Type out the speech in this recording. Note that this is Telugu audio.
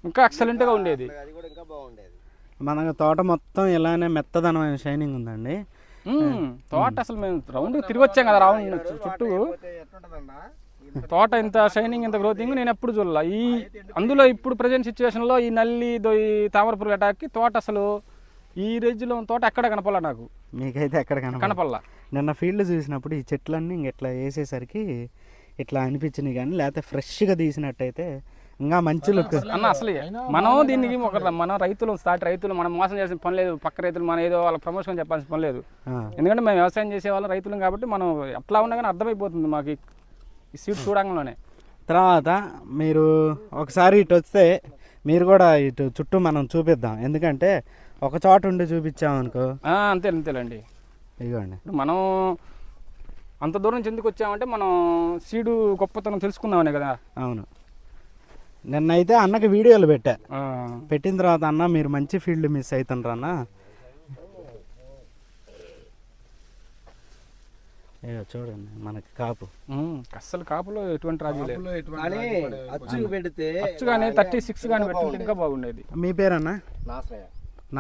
ఇంకా ఎక్సలెంట్గా ఉండేది. మన తోట మొత్తం ఇలానే మెత్తదనమైన షైనింగ్ ఉందండి. తోట అసలు మేము రౌండ్ తిరిగి వచ్చాం కదా, రౌండ్ చుట్టూ తోట ఇంత షైనింగ్ ఇంత గ్రోతింగ్ నేను ఎప్పుడు చూడాల. అందులో ఇప్పుడు ప్రజెంట్ సిచ్యువేషన్లో ఈ నల్లి ఈ తామరపురుగు అటాక్కి తోట అసలు ఈ రేంజ్లో తోట ఎక్కడ కనపడలా నాకు. మీకైతే ఎక్కడ కనపడలా. నిన్న ఫీల్డ్ చూసినప్పుడు ఈ చెట్లన్నీ ఇంక ఇట్లా వేసేసరికి ఇట్లా అనిపించినాయి, కానీ లేకపోతే ఫ్రెష్గా తీసినట్టయితే ఇంకా మంచి లుక్ అన్న. అసలు మనం దీనికి మన రైతులు మనం మోసం చేసిన పని లేదు. పక్క రైతులు మనం ఏదో వాళ్ళ ప్రమోషన్ చెప్పాల్సిన పని లేదు. ఎందుకంటే మేము వ్యవసాయం చేసే వాళ్ళం రైతులం కాబట్టి మనం ఎట్లా ఉన్నా కానీ అర్థమైపోతుంది మాకు ఈ సీడ్ చూడంగానే. తర్వాత మీరు ఒకసారి ఇటు వస్తే మీరు కూడా ఇటు చుట్టూ మనం చూపిద్దాం, ఎందుకంటే ఒక చోట ఉండి చూపించామనుకో. అంతేలేండి. ఇదిగోండి, మనం అంత దూరం నుంచి ఎందుకు వచ్చామంటే మనం సీడు గొప్పతనం తెలుసుకుందామనే కదా. అవును. నిన్నైతే అన్నకి వీడియోలు పెట్టిన తర్వాత అన్న మీరు మంచి ఫీల్డ్ మిస్ అవుతుండ్రు అన్న. చూడండి మనకి కాపు అస్సలు కాపులో ఎటువంటి రాజు లేదు. అచ్చు పెడితే అచ్చు కానీ 36 కానీ పెట్టుకుంటే ఇంకా బాగుండేది. మీ పేరన్నా? నాసరయ్య.